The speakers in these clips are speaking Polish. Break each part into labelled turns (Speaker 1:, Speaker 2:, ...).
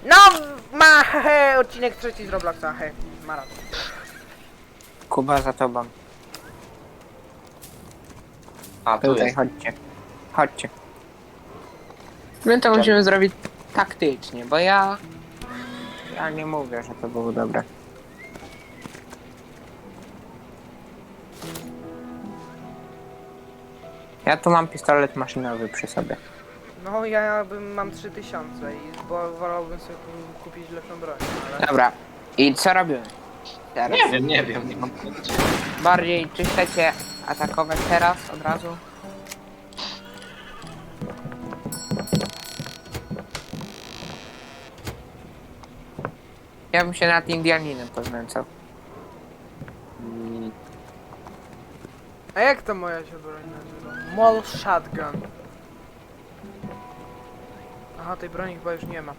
Speaker 1: No, ma, he, odcinek trzeci z Robloxa, he, maraton.
Speaker 2: Kuba za tobą.
Speaker 3: A, tu
Speaker 2: Tutaj,
Speaker 3: jest.
Speaker 2: chodźcie. Chodźcie. My to musimy zrobić taktycznie, bo ja nie mówię, że to było dobre. Ja tu mam pistolet maszynowy przy sobie.
Speaker 1: No, ja mam 3000 i wolałbym sobie kupić lepszą broń, ale...
Speaker 2: Dobra. I co robimy? Teraz.
Speaker 3: Nie wiem, nie mam pojęcia.
Speaker 2: Bardziej, czy chcecie atakować teraz, od razu? Ja bym się nad Indianinem poznęcał.
Speaker 1: A jak to moja się broń nazywa? Mall Shotgun. Aha, tej broni chyba już nie ma.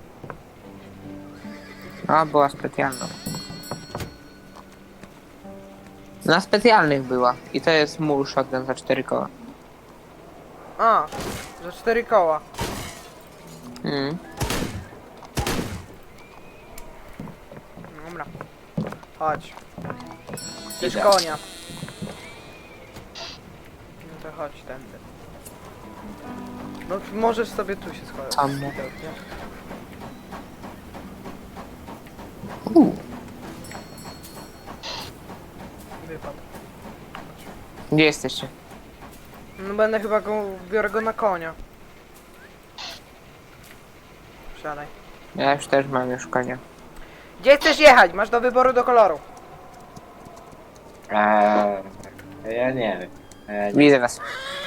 Speaker 2: A, była specjalna. Na specjalnych była. I to jest mul shotgun za 4 koła.
Speaker 1: A, za 4 koła. Dobra. Chodź. Chcesz
Speaker 3: Idę.
Speaker 1: konia. No to chodź tędy. No możesz sobie tu się schować.
Speaker 2: Tam.
Speaker 1: Widocznie. Wypadł.
Speaker 2: Gdzie jesteście?
Speaker 1: No będę chyba biorę go na konia. Wsiadaj.
Speaker 2: Ja już też mam już konia.
Speaker 1: Gdzie chcesz jechać? Masz do wyboru do koloru.
Speaker 3: Ja nie wiem.
Speaker 2: Widzę was.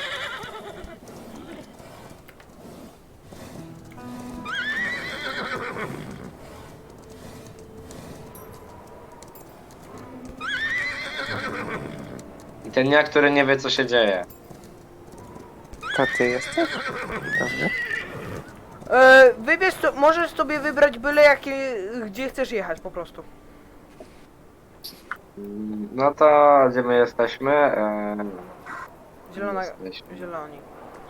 Speaker 3: I ten ja, który nie wie, co się dzieje.
Speaker 2: To ty jesteś? Dobrze.
Speaker 1: Wybierz, możesz sobie wybrać byle jakie, gdzie chcesz jechać po prostu.
Speaker 3: No to gdzie my jesteśmy?
Speaker 1: Zielona,
Speaker 3: Jesteśmy.
Speaker 1: zieloni.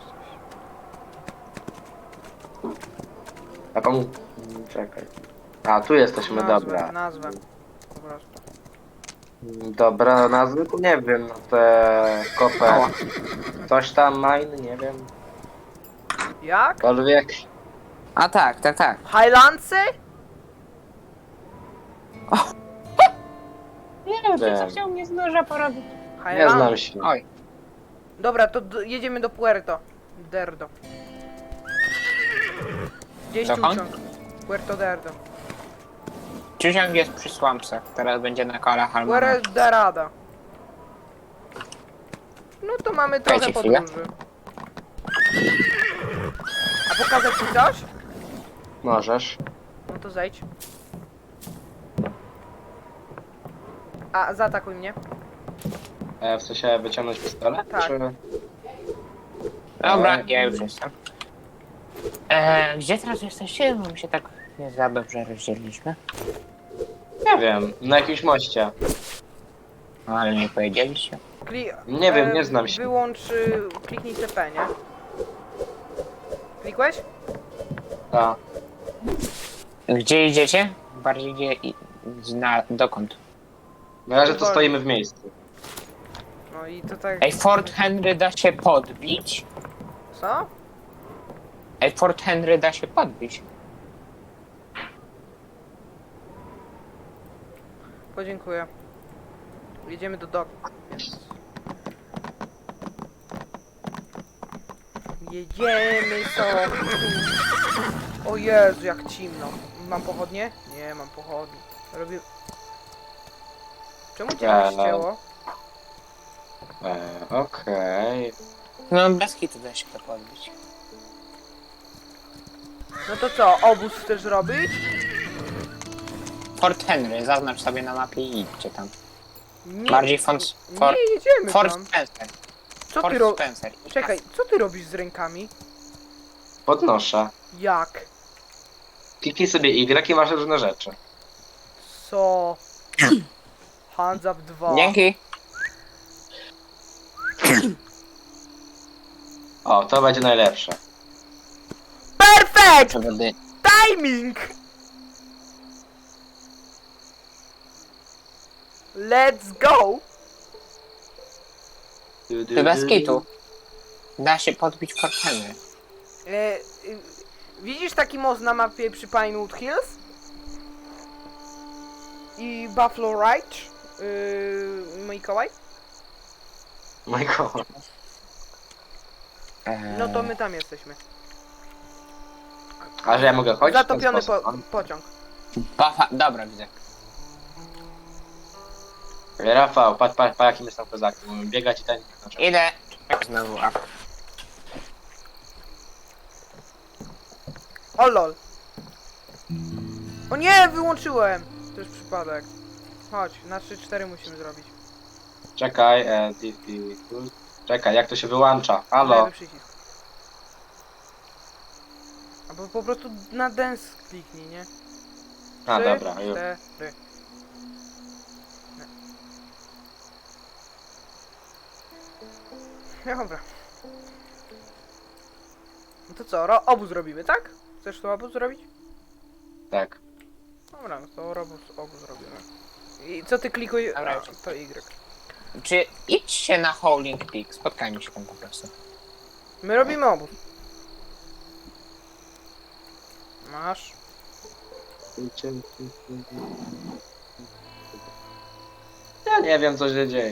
Speaker 3: A pan... Czekaj. A, tu jesteśmy, dobra.
Speaker 1: Nazwę. Po prostu.
Speaker 3: Dobra, nazwy to nie wiem, no te kopę. Coś tam mine, nie wiem.
Speaker 1: Jak?
Speaker 3: Kolwiek.
Speaker 2: A tak, tak, tak.
Speaker 1: Highlandsy?
Speaker 2: Nie
Speaker 3: Wiem.
Speaker 2: chciał mnie z noża porobić.
Speaker 3: Nie znam się.
Speaker 2: Oj.
Speaker 1: Dobra, to jedziemy do Puerto Derdo. Gdzieś
Speaker 2: Dokąd?
Speaker 1: ciuciąg. Puerto Derdo.
Speaker 2: Ciusiąg jest przy Swampsach, teraz będzie na kolach Almana.
Speaker 1: Puerto Derada. No to mamy trochę
Speaker 2: Dajcie chwilę.
Speaker 1: podróży. A pokazać ci coś?
Speaker 3: Możesz.
Speaker 1: No to zejdź. A, zaatakuj mnie.
Speaker 3: W sensie wyciągnąć pistolet?
Speaker 1: Tak.
Speaker 3: Czy...
Speaker 2: Dobra, ja już jestem. Gdzie teraz jesteście? Bo mi się tak nie za dobrze rozdzieliliśmy.
Speaker 3: Nie wiem, na jakimś moście.
Speaker 2: No, ale nie powiedzieliście.
Speaker 3: Nie wiem, nie znam się.
Speaker 1: Wyłącz, kliknij TP, nie? Klikłeś?
Speaker 3: A,
Speaker 2: Gdzie idziecie? Bardziej gdzie dokąd?
Speaker 3: na razie to stoimy w miejscu.
Speaker 1: No i to tak...
Speaker 2: Ej, Fort Henry da się podbić?
Speaker 1: Co?
Speaker 2: Ej, Fort Henry da się podbić.
Speaker 1: Podziękuję. Jedziemy do doku. Jedziemy sobie. O Jezu, jak cimno. Mam pochodnie? Nie, mam pochodnie. Robię... Czemu cię nie ścięło?
Speaker 3: Okej.
Speaker 2: No, bez kitu da się to podbić.
Speaker 1: No to co, obóz chcesz robić?
Speaker 2: Fort Henry, zaznacz sobie na mapie i idźcie tam.
Speaker 1: Nie,
Speaker 2: Bardziej Fort
Speaker 1: nie jedziemy
Speaker 2: Fort
Speaker 1: tam.
Speaker 2: Spencer.
Speaker 1: Co
Speaker 2: Fort
Speaker 1: ty robisz?
Speaker 2: Spencer.
Speaker 1: Czekaj, co ty robisz z rękami?
Speaker 3: Podnoszę.
Speaker 1: Jak?
Speaker 3: Kliknij sobie Y i masz różne rzeczy.
Speaker 1: Co? Hands up 2.
Speaker 2: Dzięki.
Speaker 3: O, to będzie najlepsze.
Speaker 1: Perfect!
Speaker 2: Przewody.
Speaker 1: Timing! Let's go!
Speaker 2: Ty bez kitu. Da się podbić forteny.
Speaker 1: Widzisz taki most na mapie przy Pinewood Hills? I Buffalo Ridge? Mikołaj?
Speaker 3: Michael.
Speaker 1: No to my tam jesteśmy.
Speaker 3: A że ja mogę chodzić? w ten
Speaker 1: Zatopiony
Speaker 3: sposób?
Speaker 1: pociąg.
Speaker 2: Dobra, widzę.
Speaker 3: Rafał, patrz jakim jestem kozakiem. Biegać i ten.
Speaker 2: Idę. Znowu up.
Speaker 1: O lol. O nie, wyłączyłem! To już przypadek. Chodź, na 3-4 musimy zrobić.
Speaker 3: Czekaj, czekaj, jak to się wyłącza? Halo?
Speaker 1: Lewy przycisk. Albo po prostu na dance kliknij, nie?
Speaker 3: A,
Speaker 1: 3,
Speaker 3: dobra, już.
Speaker 1: 4. Dobra. No to co, obóz robimy, tak? Chcesz to obóz zrobić?
Speaker 3: Tak.
Speaker 1: Dobra, no to obóz robimy. I co ty klikuj?
Speaker 2: Dobra,
Speaker 1: A,
Speaker 2: już.
Speaker 1: to Y.
Speaker 2: Czy idźcie na Howling Peak, spotkajmy się tam po prostu.
Speaker 1: My robimy obóz. Masz.
Speaker 3: Ja nie wiem, co się dzieje.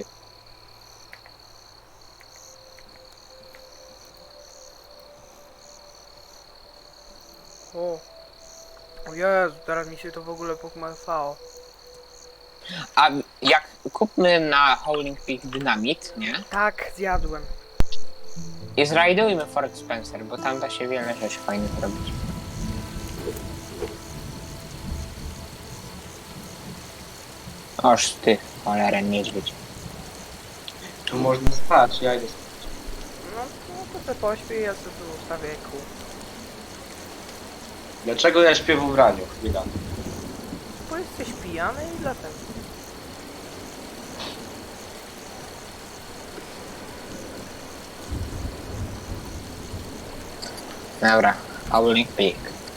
Speaker 1: O. O Jezu, teraz mi się to w ogóle pokmasało.
Speaker 2: A jak kupmy na Howling Peak dynamit, nie?
Speaker 1: Tak, zjadłem.
Speaker 2: I zrajdujmy Fort Spencer, bo tam da się wiele rzeczy fajnych robić. Oż ty, cholera niedźwiedź.
Speaker 3: Tu można spać, ja idę spać.
Speaker 1: No to se pośpię, ja sobie tu ustawię kół.
Speaker 3: Dlaczego ja śpię w ubraniu? Chwila.
Speaker 1: Bo jesteś pijany i dlatego.
Speaker 2: Dobra, Howling Peak.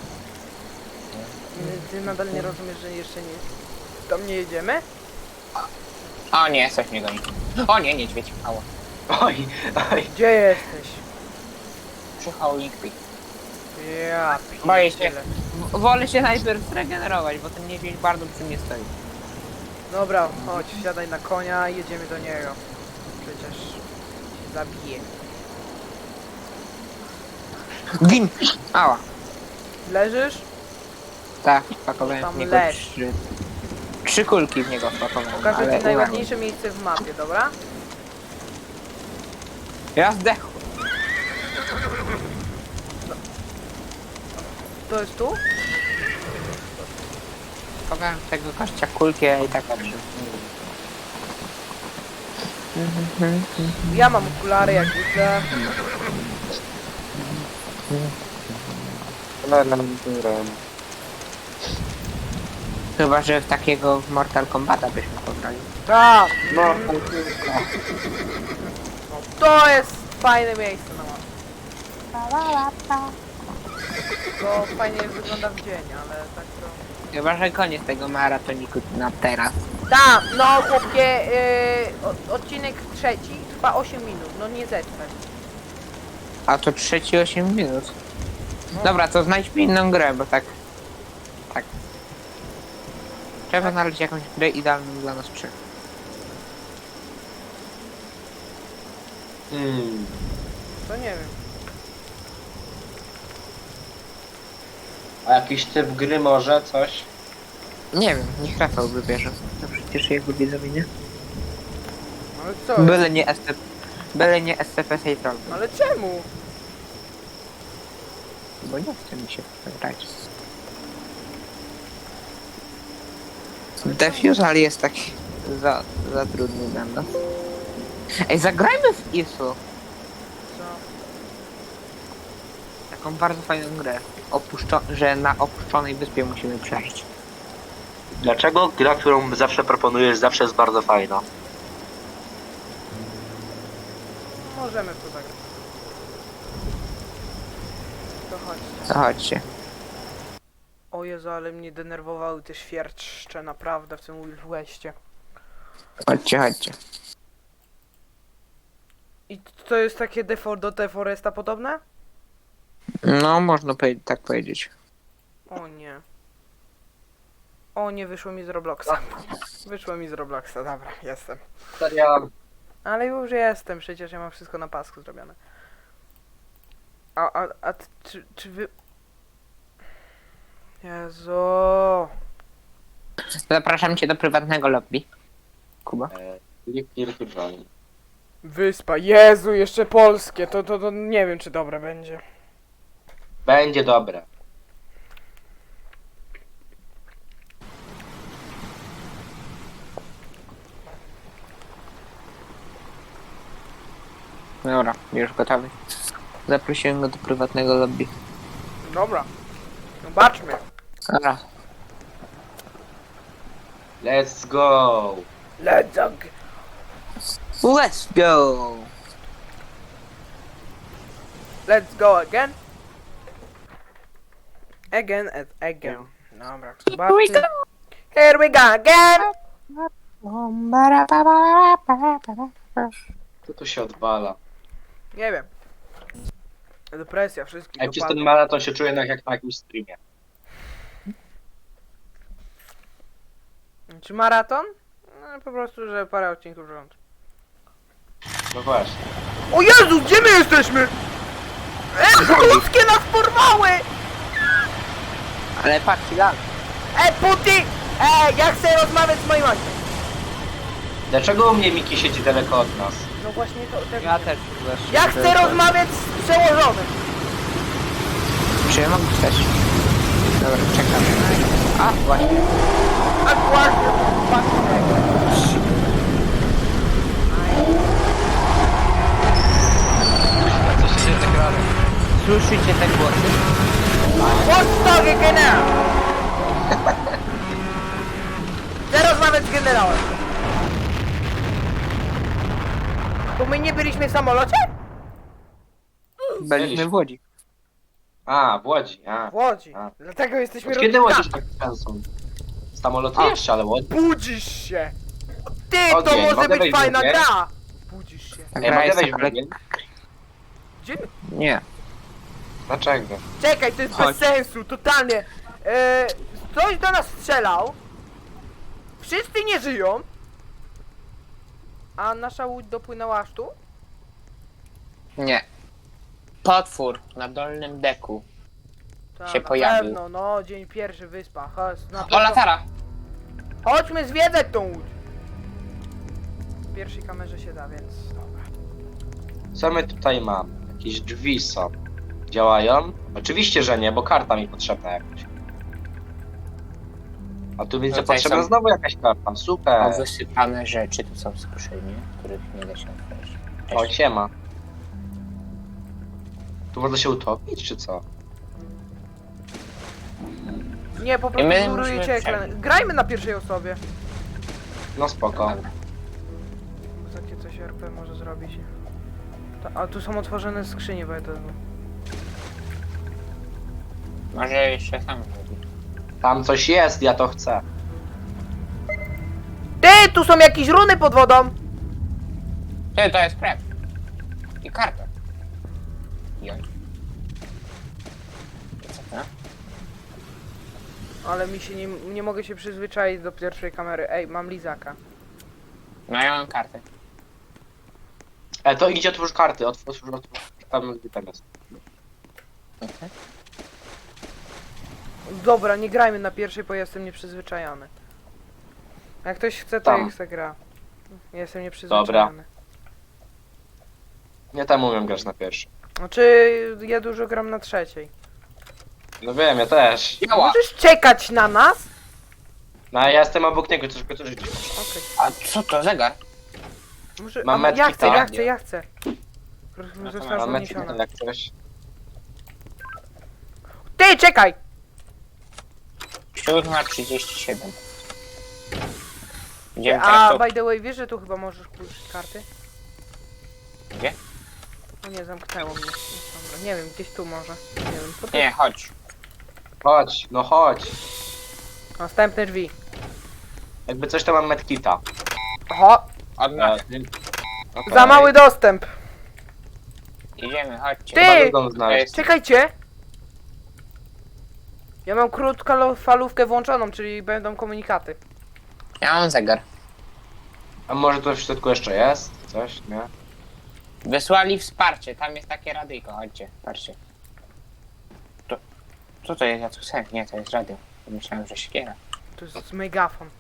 Speaker 1: Ty nadal nie rozumiesz, że jeszcze nie... Tam nie jedziemy?
Speaker 2: O nie, coś mnie goni. O nie, niedźwiedź. Ała.
Speaker 3: Oj, oj.
Speaker 1: Gdzie jesteś?
Speaker 2: Przy Howling Peak.
Speaker 1: Ja
Speaker 2: Boję się.
Speaker 1: pierdzielę.
Speaker 2: Wolę się najpierw zregenerować, bo ten niedźwiedź bardzo przy mnie stoi.
Speaker 1: Dobra, chodź, siadaj na konia i jedziemy do niego. Przecież się zabije.
Speaker 2: Gin! Ała.
Speaker 1: Leżysz?
Speaker 2: Tak, wpakowałem
Speaker 1: Tam
Speaker 2: w niego
Speaker 1: leż.
Speaker 2: trzy kulki w niego wpakowałem,
Speaker 1: Pokażę
Speaker 2: ale
Speaker 1: ci najładniejsze miejsce w mapie, dobra?
Speaker 2: ja zdechł.
Speaker 1: To jest tu?
Speaker 2: Wpakowałem w tego kościa kulki, a i tak dobrze.
Speaker 1: Ja mam okulary, jak widzę.
Speaker 2: Chyba, że w takiego w Mortal Kombata byśmy pograli.
Speaker 1: Tak!
Speaker 3: No,
Speaker 1: To jest fajne miejsce na mapie. To fajnie wygląda w dzień, ale tak to...
Speaker 2: Chyba, że koniec tego maratoniku na teraz.
Speaker 1: Tak, no chłopie, odcinek trzeci trwa 8 minut, no nie zetrwać.
Speaker 2: A to trzeci 8 minut.
Speaker 1: No.
Speaker 2: Dobra, to znajdźmy inną grę, bo tak... Tak. Trzeba znaleźć jakąś grę idealną dla nas trzech.
Speaker 1: To nie wiem.
Speaker 3: A jakiś typ gry może, coś?
Speaker 2: Nie wiem, niech Rafał wybierze. To przecież jego widzowie, nie?
Speaker 1: Ale co?
Speaker 2: Byle nie SCP Safe Roll.
Speaker 1: Ale czemu?
Speaker 2: Bo nie chce mi się w to grać. Defusal jest taki za trudny dla nas. Ej, zagrajmy w ISU.
Speaker 1: Co?
Speaker 2: Taką bardzo fajną grę. Że na opuszczonej wyspie musimy przeżyć.
Speaker 3: Dlaczego gra, którą zawsze proponujesz, zawsze jest bardzo fajna?
Speaker 1: Możemy w to zagrać. To chodźcie.
Speaker 2: To chodźcie.
Speaker 1: O Jezu, ale mnie denerwowały te świerczcze naprawdę w tym Wild Westie.
Speaker 2: Chodźcie, chodźcie.
Speaker 1: I to jest takie do Deforesta podobne?
Speaker 2: No, można tak powiedzieć.
Speaker 1: O nie. O nie, wyszło mi z Robloxa. Wyszło mi z Robloxa, dobra, jestem.
Speaker 3: Serio.
Speaker 1: Ale już jestem, przecież ja mam wszystko na pasku zrobione. Czy wy... Jezu.
Speaker 2: Zapraszam cię do prywatnego lobby. Kuba.
Speaker 3: Click join.
Speaker 1: Wyspa, Jezu, jeszcze polskie, to nie wiem czy dobre będzie.
Speaker 3: Będzie dobre.
Speaker 2: Dobra, już gotowy. Zaprosiłem go do prywatnego lobby.
Speaker 1: Dobra. Zobaczmy.
Speaker 2: Dobra.
Speaker 3: Let's go.
Speaker 1: Let's go.
Speaker 2: Let's go!
Speaker 1: Let's go again. Again and again. Dobra,
Speaker 2: Here we
Speaker 1: zobaczmy.
Speaker 2: go!
Speaker 1: Here we go again.
Speaker 3: Co tu się odwala?
Speaker 1: Nie wiem. Depresja wszystkich
Speaker 3: Ej, przez ten
Speaker 1: dopadnie.
Speaker 3: maraton się czuję jak na jakimś streamie.
Speaker 1: Czy maraton? No, po prostu, że parę odcinków rząd.
Speaker 3: No właśnie.
Speaker 1: O Jezu, gdzie my jesteśmy? Polskie nas porwały!
Speaker 2: Ale patrz, lag.
Speaker 1: Puty! Ja chcę rozmawiać z moim ojcem.
Speaker 3: Dlaczego u mnie Miki siedzi daleko od nas?
Speaker 1: No właśnie to...
Speaker 2: Ja też.
Speaker 1: Ja chcę rozmawiać z przełożonym.
Speaker 2: Czy ja mogę też? Dobra, czekam. A, właśnie.
Speaker 1: A właśnie,
Speaker 3: Co się dzieje tak rano?
Speaker 2: Słyszycie te głosy?
Speaker 1: What's talking now? Chcę rozmawiać z generałem. To my nie byliśmy w samolocie?
Speaker 2: Byliśmy w Łodzi.
Speaker 3: A, w Łodzi. A.
Speaker 1: W Łodzi.
Speaker 3: A.
Speaker 1: Dlatego jesteśmy
Speaker 3: Od kiedy
Speaker 1: rodzicami.
Speaker 3: Łodzi tak często? Samoloty jeszcze, ale Łodzi.
Speaker 1: Budzisz się! Ty, to
Speaker 3: Ogień,
Speaker 1: może
Speaker 3: mogę
Speaker 1: być
Speaker 3: wejść
Speaker 1: fajna
Speaker 3: w ogień?
Speaker 1: gra! Budzisz się.
Speaker 2: Ta
Speaker 3: Ej,
Speaker 2: gra
Speaker 3: mogę
Speaker 2: jest
Speaker 3: wejść w
Speaker 2: ale...
Speaker 3: ogień?
Speaker 1: Gdzie my?
Speaker 2: Nie.
Speaker 3: Dlaczego?
Speaker 1: Czekaj, to jest
Speaker 2: Chodź.
Speaker 1: bez sensu, totalnie. Ktoś do nas strzelał. Wszyscy nie żyją. A nasza łódź dopłynęła aż tu?
Speaker 2: Nie. Potwór na dolnym deku.
Speaker 1: Tak,
Speaker 2: Się
Speaker 1: na
Speaker 2: pojawił.
Speaker 1: pewno, no, dzień pierwszy, wyspa. Chodź, na
Speaker 2: O,
Speaker 1: pewno.
Speaker 2: latara!
Speaker 1: Chodźmy zwiedzać tą łódź. W pierwszej kamerze się da, więc dobra.
Speaker 3: Co my tutaj mamy? Jakieś drzwi są. Działają? Oczywiście, że nie, bo karta mi potrzebna jakaś. A tu widzę,
Speaker 2: Tutaj
Speaker 3: potrzebna
Speaker 2: są-
Speaker 3: znowu jakaś karta.
Speaker 2: A
Speaker 3: Super.
Speaker 2: wysypane rzeczy tu są skrzynie, których nie da się otworzyć.
Speaker 3: O, siema. Tu można się utopić, czy co?
Speaker 1: Nie, po
Speaker 2: I
Speaker 1: prostu
Speaker 2: my
Speaker 1: zurujecie
Speaker 2: musimy
Speaker 1: ekran.
Speaker 2: przebiec.
Speaker 1: Grajmy na pierwszej osobie.
Speaker 3: No spoko.
Speaker 2: Dobra.
Speaker 1: Takie coś RP może zrobić. A tu są otworzone skrzynie, bo ja to...
Speaker 2: Może jeszcze sam zrobić.
Speaker 3: Tam coś jest, ja to chcę.
Speaker 1: Ty, tu są jakieś runy pod wodą!
Speaker 2: Ty, to jest krew. I karta. Joj. I co to?
Speaker 1: Ale mi się nie mogę się przyzwyczaić do pierwszej kamery. Ej, mam lizaka.
Speaker 2: No ja mam kartę.
Speaker 3: To idzie otwórz karty, otwórz. Tam gdzie tam jest.
Speaker 2: Mhm.
Speaker 1: Dobra, nie grajmy na pierwszej, bo jestem nieprzyzwyczajony. Jak ktoś chce, to
Speaker 3: Tam.
Speaker 1: jak chce gra. Jestem nieprzyzwyczajony.
Speaker 3: Ja tam umiem grać na pierwszy.
Speaker 1: Znaczy, ja dużo gram na trzeciej.
Speaker 3: No wiem, ja też.
Speaker 2: Działa!
Speaker 1: Możesz czekać na nas?
Speaker 3: No a ja jestem obok niego, troszkę to życie.
Speaker 1: Okej.
Speaker 2: A co to, zegar?
Speaker 1: Może...
Speaker 3: Mam
Speaker 1: a, ja
Speaker 3: metki,
Speaker 1: chcę,
Speaker 3: tak?
Speaker 1: ja chcę.
Speaker 2: No to
Speaker 1: Została
Speaker 3: Mam
Speaker 1: zniesiona.
Speaker 3: jak coś.
Speaker 1: Ty, czekaj!
Speaker 2: 7:37. Idziemy
Speaker 1: A,
Speaker 2: teraz
Speaker 1: by the way, wiesz, że tu chyba możesz puścić karty?
Speaker 2: Gdzie?
Speaker 1: No nie, zamknęło mnie. Dobra, nie wiem, gdzieś tu może. Nie wiem, po
Speaker 2: tu. Nie, chodź.
Speaker 3: Chodź, no chodź.
Speaker 1: Następne drzwi.
Speaker 3: Jakby coś to mam medkita.
Speaker 1: Oho,
Speaker 2: Od nas.
Speaker 3: Okej.
Speaker 1: za mały dostęp. Za mały dostęp.
Speaker 2: Idziemy, chodźcie.
Speaker 1: Ty!
Speaker 3: Chyba dom znaleźć.
Speaker 1: Czekajcie. Ja mam krótkofalówkę włączoną, czyli będą komunikaty.
Speaker 2: Ja mam zegar.
Speaker 3: A może to w środku jeszcze jest? Coś, nie?
Speaker 2: Wysłali wsparcie, tam jest takie radyjko, chodźcie, patrzcie. Co to jest? Ja tu chcę. Nie, to jest radio. Myślałem, że siekiera.
Speaker 1: To jest megafon.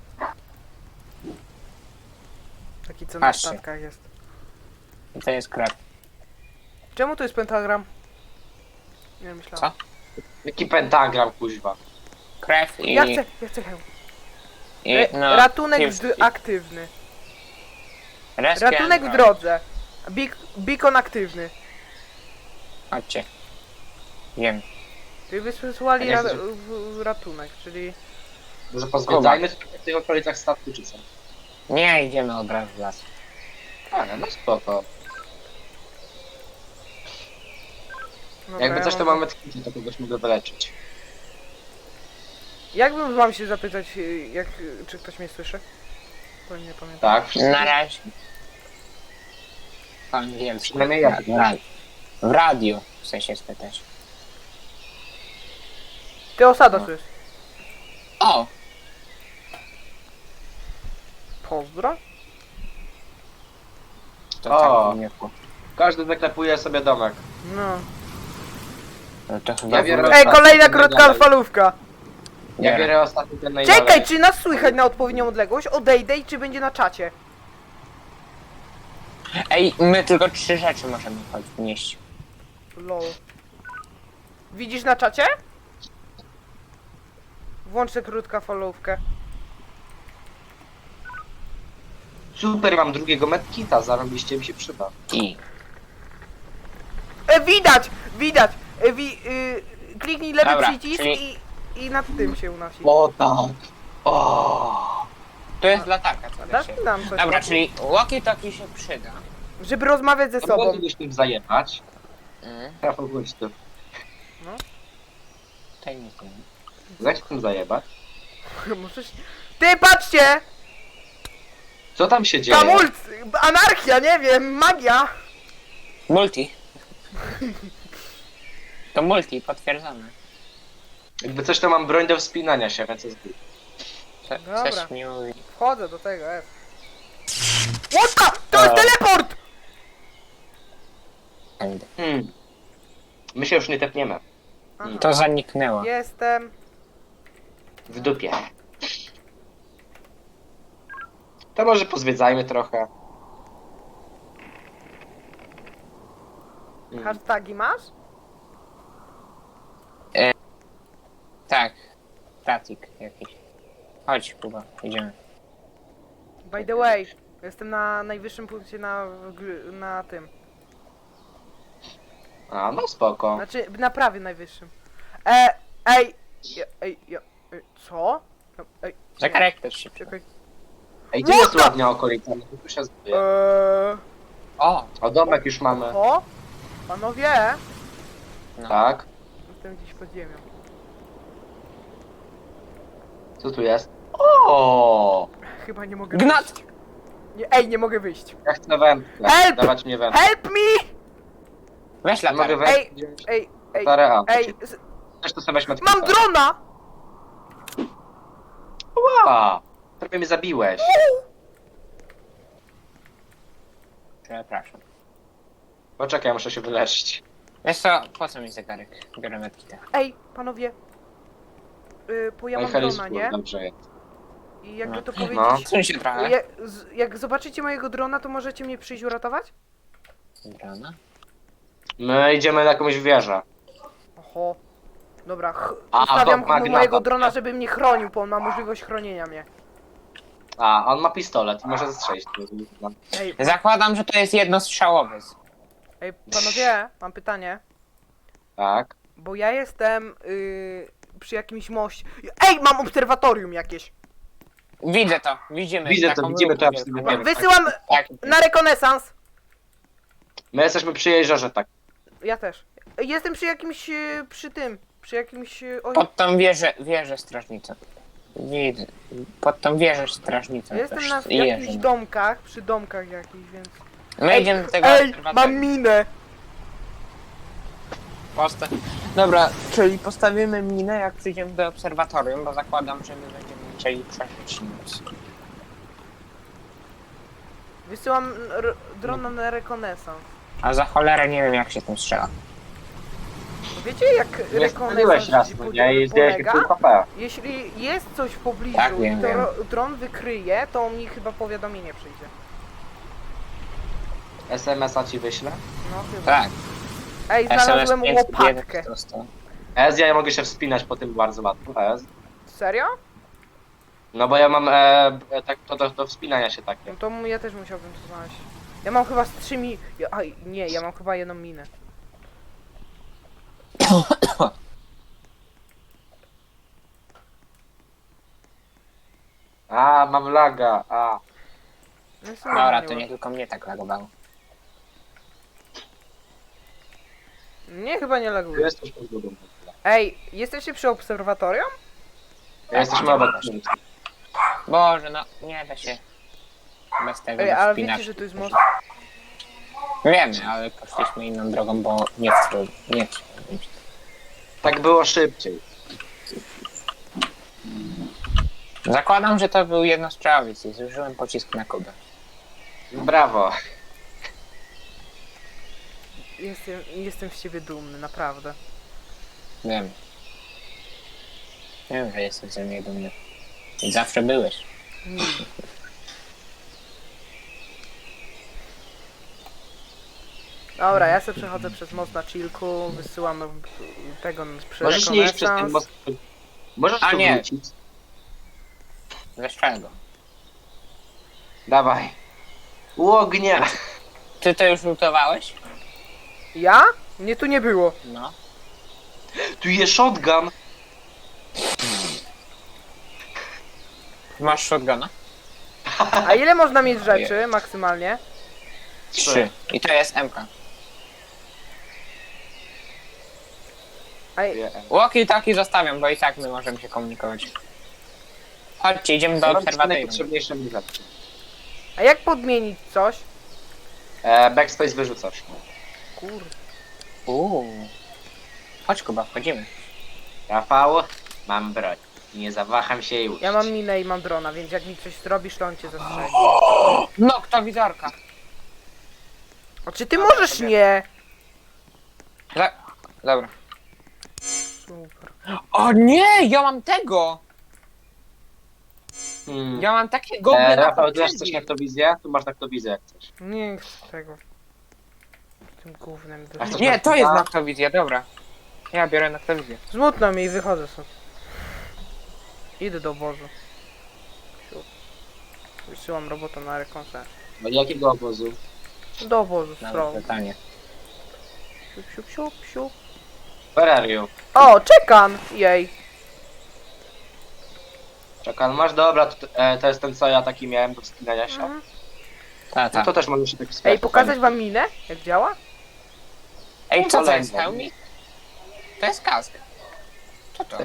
Speaker 1: Taki co na
Speaker 2: Patrzcie.
Speaker 1: statkach jest.
Speaker 2: I to jest krew.
Speaker 1: Czemu to jest pentagram? Nie myślałem.
Speaker 2: Co?
Speaker 3: Jaki pentagram, kuźwa.
Speaker 2: Krew i...
Speaker 1: Ja chcę hełm. Ratunek
Speaker 2: Kiewski.
Speaker 1: aktywny.
Speaker 2: Rescue
Speaker 1: Ratunek w
Speaker 2: and-
Speaker 1: drodze. Beacon aktywny.
Speaker 2: Chodźcie. Wiem.
Speaker 1: Czyli wysłali
Speaker 3: A nie chcesz-
Speaker 1: ratunek, czyli...
Speaker 3: Może pozwiedzajmy w tych okolicach statku, czy co?
Speaker 2: Nie, idziemy od razu w las.
Speaker 3: Ale no spoko.
Speaker 1: Dobra,
Speaker 3: Jakby
Speaker 1: ja
Speaker 3: coś to
Speaker 1: mam-
Speaker 3: mamy tknięcie, to kogoś mogę wyleczyć.
Speaker 1: Jakbym wam się zapytać, czy ktoś mnie słyszy? Bo nie pamiętam.
Speaker 3: Tak, wszyscy.
Speaker 2: Na razie. Po angielsku.
Speaker 3: Przynajmniej ja.
Speaker 2: W radiu chcę się spytać.
Speaker 1: Ty osada
Speaker 2: No.
Speaker 1: słyszysz.
Speaker 2: O!
Speaker 1: Pozdro?
Speaker 2: To
Speaker 3: O.
Speaker 2: tak w wieku.
Speaker 3: Każdy zaklepuje sobie domek.
Speaker 1: No.
Speaker 2: No to chyba...
Speaker 3: Ja biorę-
Speaker 1: Ej, kolejna
Speaker 3: Ostatni
Speaker 1: krótka
Speaker 3: dalej.
Speaker 1: falówka.
Speaker 3: Ja
Speaker 2: Nie.
Speaker 3: biorę ostatni ten najdalej.
Speaker 1: Czekaj, czy nas słychać na odpowiednią odległość? Odejdę i czy będzie na czacie?
Speaker 2: Ej, my tylko 3 rzeczy możemy nieść.
Speaker 1: Lol. Widzisz na czacie? Włącz tę krótka falówkę.
Speaker 3: Super, mam drugiego medkita, zarobiście mi się przyda.
Speaker 2: I...
Speaker 1: Widać! Widać! Kliknij lewy
Speaker 2: Dobra,
Speaker 1: przycisk
Speaker 2: czyli-
Speaker 1: i nad tym się unosi.
Speaker 3: O tak! O!
Speaker 2: To jest latarka, co da
Speaker 1: Dasz
Speaker 2: się.
Speaker 1: mi nam coś
Speaker 2: Dobra,
Speaker 1: takiego?
Speaker 2: czyli walkie-talkie się przyda.
Speaker 1: Żeby rozmawiać ze
Speaker 3: To
Speaker 1: sobą.
Speaker 3: moglibyś tym zajebać.
Speaker 2: Mm,
Speaker 3: Trafał gościu.
Speaker 2: to nic nie.
Speaker 3: Dać tym zajebać.
Speaker 1: Możesz... Ty, patrzcie!
Speaker 3: Co tam się dzieje?
Speaker 1: Kamult! Anarchia, nie wiem, magia!
Speaker 2: Multi. To multi, potwierdzone.
Speaker 3: Jakby coś to mam broń do wspinania się, więc jest good.
Speaker 1: Dobra.
Speaker 2: Coś mi mówi.
Speaker 1: Wchodzę do tego, What the? To jest teleport!
Speaker 3: My się już nie tepniemy.
Speaker 1: Aha.
Speaker 2: To zaniknęło.
Speaker 1: Jestem.
Speaker 3: W dupie. To może pozwiedzajmy trochę.
Speaker 1: Hashtagi masz?
Speaker 2: Tak. Statik jakiś. Chodź, Kuba, idziemy.
Speaker 1: By the way, jestem na najwyższym punkcie na tym.
Speaker 3: A, no spoko.
Speaker 1: Znaczy, na prawie najwyższym. Co? Ej,
Speaker 2: Zegarek też się przyda.
Speaker 1: czekaj.
Speaker 3: Ej, gdzie jest ładnia okolica? No tu się zbije.
Speaker 2: O!
Speaker 3: O, domek już mamy.
Speaker 1: O, panowie,
Speaker 2: No.
Speaker 3: Tak.
Speaker 1: jestem gdzieś pod ziemią.
Speaker 3: Co tu jest? O!
Speaker 1: Chyba nie mogę
Speaker 2: Gnat!
Speaker 1: wyjść. Nie, ej, nie mogę wyjść.
Speaker 3: Ja chcę wędkę.
Speaker 1: Help!
Speaker 3: Dawać mnie wędkę.
Speaker 1: Help me!
Speaker 2: Weź
Speaker 3: Mogę
Speaker 2: latarkę.
Speaker 3: wędkę
Speaker 1: Ej,
Speaker 3: wziąć?
Speaker 1: ej, ej,
Speaker 3: Latarę, a,
Speaker 1: ej,
Speaker 3: Też to sobie weź medkita.
Speaker 1: mam drona!
Speaker 3: Ła! Prawie mnie zabiłeś.
Speaker 2: Przepraszam.
Speaker 3: Poczekaj, muszę się wyleczyć.
Speaker 2: Wiesz co, po co mi zegarek? Biorę medkita.
Speaker 1: Ej, panowie. Bo ja
Speaker 3: No i
Speaker 1: mam
Speaker 3: Harris
Speaker 1: drona,
Speaker 3: Pool,
Speaker 1: nie?
Speaker 3: dobrze jest.
Speaker 1: I jakby
Speaker 2: No.
Speaker 1: to
Speaker 3: No.
Speaker 1: powiedzieć...
Speaker 2: Odsuń się trochę.
Speaker 1: Jak zobaczycie mojego drona, to możecie mnie przyjść uratować?
Speaker 2: Drona.
Speaker 3: My idziemy na jakąś wieżę.
Speaker 1: Oho. Dobra,
Speaker 3: A,
Speaker 1: ustawiam
Speaker 3: to magnata.
Speaker 1: mojego drona, żeby mnie chronił, bo on ma możliwość chronienia mnie.
Speaker 3: A, on ma pistolet i może zastrzelić.
Speaker 1: Ej,
Speaker 2: Zakładam, że to jest jednostrzałowy.
Speaker 1: ej, panowie, mam pytanie.
Speaker 3: Tak.
Speaker 1: Bo ja jestem przy jakimś moście. Ej, mam obserwatorium jakieś.
Speaker 2: Widzę to, widzimy.
Speaker 3: Widzę to,
Speaker 2: taką
Speaker 3: widzimy to, ja
Speaker 2: wielką.
Speaker 3: wszyscy wiemy.
Speaker 1: Wysyłam
Speaker 2: Tak.
Speaker 1: na rekonesans.
Speaker 3: My jesteśmy przy jeziorze, tak.
Speaker 1: Ja też. Jestem przy jakimś, przy jakimś... Oj,
Speaker 2: Pod tą wieżę strażnicą. Widzę. Pod tą wieżą strażnicą.
Speaker 1: Ja jestem
Speaker 2: też
Speaker 1: na
Speaker 2: jeżdżę.
Speaker 1: jakichś domkach, przy domkach jakichś, więc...
Speaker 2: My idziemy do tego
Speaker 1: Ej,
Speaker 2: obserwatorium.
Speaker 1: mam minę!
Speaker 2: Dobra, czyli postawimy minę, jak przyjdziemy do obserwatorium, bo zakładam, że my będziemy musieli przeżyć noc.
Speaker 1: Wysyłam drona na rekonesans.
Speaker 2: A za cholerę nie wiem, jak się tym strzela.
Speaker 1: Wiecie jak
Speaker 3: Nie spaliłeś raz, no nie? I zdjęłeś mi
Speaker 1: polega?
Speaker 3: pół HP.
Speaker 1: Jeśli jest coś w pobliżu
Speaker 2: Tak,
Speaker 1: i
Speaker 2: wiem,
Speaker 1: to
Speaker 2: wiem.
Speaker 1: dron wykryje, to mi chyba powiadomienie przyjdzie.
Speaker 3: SMS-a ci wyślę.
Speaker 1: No chyba.
Speaker 2: Tak.
Speaker 1: Ej, znalazłem
Speaker 2: 501
Speaker 1: łopatkę.
Speaker 2: dostał.
Speaker 3: Ja mogę się wspinać po tym bardzo łatwo.
Speaker 1: Serio?
Speaker 3: No bo ja mam tak, to do wspinania się takie.
Speaker 1: No to ja też musiałbym to znaleźć. Ja mam chyba z 3 Aj, nie, ja mam chyba jedną minę.
Speaker 3: A, mam laga, a.
Speaker 1: No jest
Speaker 2: Dobra,
Speaker 1: normalnie
Speaker 2: to nie tylko mnie tak lagowało.
Speaker 1: Nie, chyba nie
Speaker 3: Tu
Speaker 1: laguje.
Speaker 3: jesteś pod drugą.
Speaker 1: Ej, jesteście przy obserwatorium?
Speaker 3: Jesteśmy obok.
Speaker 2: Boże, no nie da się bez tego
Speaker 1: Ej, ale
Speaker 2: wspinać.
Speaker 1: wiecie, że tu jest most?
Speaker 2: Wiemy, ale poszliśmy inną drogą, bo nie
Speaker 3: Tak było szybciej.
Speaker 2: Zakładam, że to był jednostrzałowiec i zużyłem pocisk na Kubę.
Speaker 3: Brawo.
Speaker 1: Jestem z ciebie dumny, naprawdę.
Speaker 2: Wiem. Wiem, że jesteś ze mnie dumny. I zawsze byłeś.
Speaker 1: Dobra, ja sobie przechodzę przez most na chillku, wysyłam tego przy
Speaker 3: Możesz nie iść przez ten
Speaker 1: rekonesans.
Speaker 3: most. Możesz
Speaker 2: A
Speaker 3: tu
Speaker 2: nie.
Speaker 3: wrócić.
Speaker 2: Ze czego?
Speaker 3: Dawaj. U ognia.
Speaker 2: Ty to już lutowałeś?
Speaker 1: Ja? Mnie tu nie było.
Speaker 2: No.
Speaker 3: Tu jest shotgun.
Speaker 2: Masz shotguna?
Speaker 1: A ile można mieć rzeczy maksymalnie?
Speaker 2: 3. I to jest MK.
Speaker 1: Ej,
Speaker 2: Walkie taki zostawiam, bo i tak my możemy się komunikować. Chodźcie, idziemy do
Speaker 3: Mam
Speaker 2: obserwatorium.
Speaker 3: najpotrzebniejsze mi rzeczy.
Speaker 1: a jak podmienić coś?
Speaker 3: Backspace wyrzucasz.
Speaker 1: Kurde.
Speaker 2: Chodź Kuba, wchodzimy.
Speaker 3: Rafał, mam broń. Nie zawaham się już.
Speaker 1: Ja mam minę i mam drona, więc jak mi coś zrobisz, to on cię zastrzeli.
Speaker 2: No, kto wizorka?
Speaker 1: A czy ty możesz nie?
Speaker 2: Dobra.
Speaker 1: Super.
Speaker 2: O nie, ja mam tego!
Speaker 3: Hmm.
Speaker 2: Ja mam takie gogle na
Speaker 3: Rafał, ty masz
Speaker 2: potrzebie.
Speaker 3: coś na aktowizję? Tu masz aktowizję jak chcesz.
Speaker 1: Nie chcę tego. Tym gównem
Speaker 3: A chcesz
Speaker 2: Nie,
Speaker 3: na
Speaker 2: to jest
Speaker 3: Kuba?
Speaker 2: naktowizja, dobra. Ja biorę naktowizję.
Speaker 1: Smutno mi i wychodzę stąd. Idę do obozu. Siup. Wysyłam robotę na rekonesans.
Speaker 3: Do jakiego obozu?
Speaker 1: Do obozu,
Speaker 2: Nawet
Speaker 1: stron.
Speaker 2: pytanie.
Speaker 1: Siup, siup, siup, siup.
Speaker 3: Where are you?
Speaker 1: O, czekan! Jej.
Speaker 3: Czekaj, masz? Dobra, to jest ten co ja taki miałem do wspinania się.
Speaker 1: Mhm.
Speaker 2: Ta.
Speaker 3: No to też możesz się tak wspinać.
Speaker 1: Ej, pokazać wam minę? Jak działa?
Speaker 2: Ej, co to
Speaker 3: Kolejny.
Speaker 2: jest hełmik? To jest kask. Co to?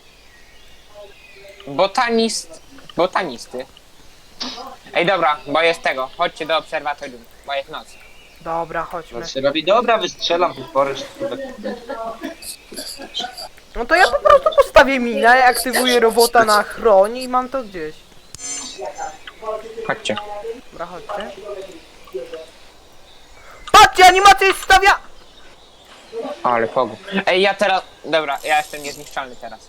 Speaker 2: Botanisty. Ej, dobra, bo jest tego. Chodźcie do obserwatorium, bo jest noc.
Speaker 1: Dobra, chodźmy.
Speaker 3: No się robi, dobra, wystrzelam potwory, czy
Speaker 1: No to ja po prostu postawię minę, aktywuję robota na chroń i mam to gdzieś.
Speaker 2: Chodźcie.
Speaker 1: Dobra, chodźcie. Patrzcie, animacja jest stawia!
Speaker 2: Ale pogu. Ej, ja teraz... Dobra, ja jestem niezniszczalny teraz.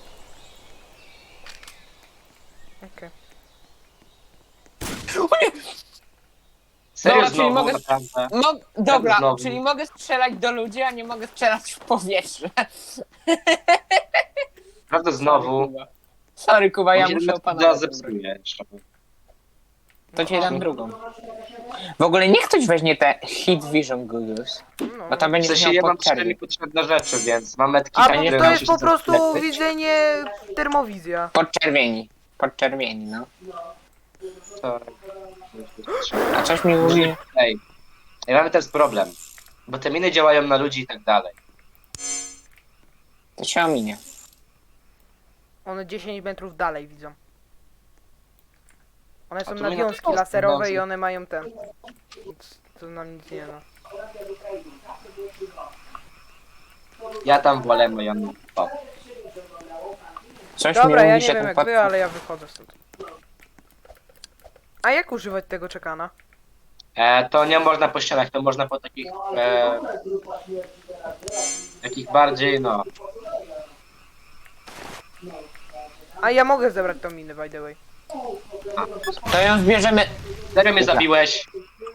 Speaker 1: Okej.
Speaker 3: Serio
Speaker 2: Dobra, czyli
Speaker 3: znowu,
Speaker 2: mogę-
Speaker 3: naprawdę.
Speaker 2: No, dobra,
Speaker 3: znowu.
Speaker 2: czyli mogę strzelać do ludzi, a nie mogę strzelać w powietrze.
Speaker 3: Naprawdę znowu.
Speaker 2: Sorry, Kuba, ja
Speaker 3: On się
Speaker 2: muszę
Speaker 3: nawet
Speaker 2: opanować.
Speaker 3: zepsuje.
Speaker 2: To ci dam drugą. W ogóle niech ktoś weźmie te Hit Vision Googles,
Speaker 1: No.
Speaker 2: bo to
Speaker 3: W
Speaker 2: będzie
Speaker 3: sensie
Speaker 2: miał
Speaker 3: ja mam
Speaker 2: podczerwień.
Speaker 3: 4 potrzebne rzeczy, więc mam metki,
Speaker 1: A,
Speaker 2: to
Speaker 1: bo
Speaker 2: nie
Speaker 1: to
Speaker 2: da
Speaker 1: jest
Speaker 3: się
Speaker 1: po prostu
Speaker 3: zasklepić.
Speaker 1: widzenie termowizja.
Speaker 2: Podczerwieni, no.
Speaker 3: To-
Speaker 2: A coś mi mówi...
Speaker 3: Ej, mamy teraz problem. Bo te miny działają na ludzi i tak dalej.
Speaker 2: To się ominie.
Speaker 1: One 10 metrów dalej widzą. One są
Speaker 3: to
Speaker 1: na
Speaker 3: my na
Speaker 1: wiązki
Speaker 3: to
Speaker 1: laserowe
Speaker 3: wiązki.
Speaker 1: i one mają ten. Nic, to nam nic nie da.
Speaker 3: Ja tam wolę moją... O.
Speaker 2: Coś
Speaker 1: Dobra,
Speaker 2: mi
Speaker 1: ja
Speaker 2: mówi,
Speaker 1: nie
Speaker 2: że
Speaker 1: wiem
Speaker 2: ten
Speaker 1: jak
Speaker 2: pot...
Speaker 1: wy, ale ja wychodzę stąd. A jak używać tego czekana?
Speaker 3: To nie można po ścianach, to można po takich... takich bardziej, no...
Speaker 1: A ja mogę zebrać tą minę, by the way.
Speaker 2: To ją zbierzemy...
Speaker 3: Serio mnie zabiłeś?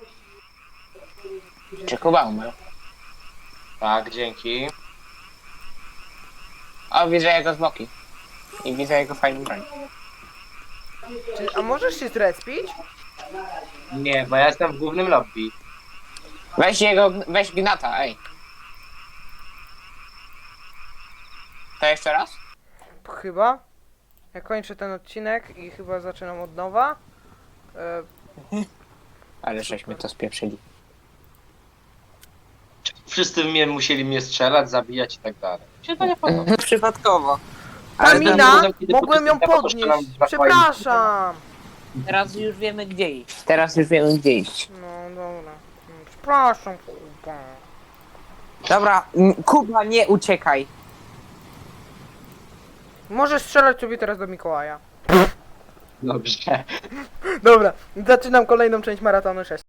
Speaker 2: Czy Kuba umarł?
Speaker 3: Tak, dzięki.
Speaker 2: O, widzę jego zwłoki. I widzę jego fajną broń.
Speaker 1: A możesz się zrespić?
Speaker 3: Nie, bo ja jestem w głównym lobby.
Speaker 2: Weź Gnata, ej. To jeszcze raz?
Speaker 1: Chyba. Ja kończę ten odcinek i chyba zaczynam od nowa.
Speaker 2: Ale żeśmy to spieprzyli.
Speaker 3: Wszyscy musieli mnie strzelać, zabijać i tak dalej. Się to nie podoba.
Speaker 2: Przypadkowo.
Speaker 1: Ta
Speaker 2: Ale
Speaker 1: mina!
Speaker 3: tam- kiedy
Speaker 1: Mogłem ją
Speaker 3: pociskiem
Speaker 1: podnieść!
Speaker 3: to
Speaker 1: Przepraszam!
Speaker 2: Teraz już wiemy gdzie iść. Teraz już wiemy gdzie iść.
Speaker 1: No dobra. Przepraszam, kurwa.
Speaker 2: Dobra, Kuba, nie uciekaj.
Speaker 1: Możesz strzelać sobie teraz do Mikołaja.
Speaker 3: Dobrze.
Speaker 1: Dobra, zaczynam kolejną część maratonu 6.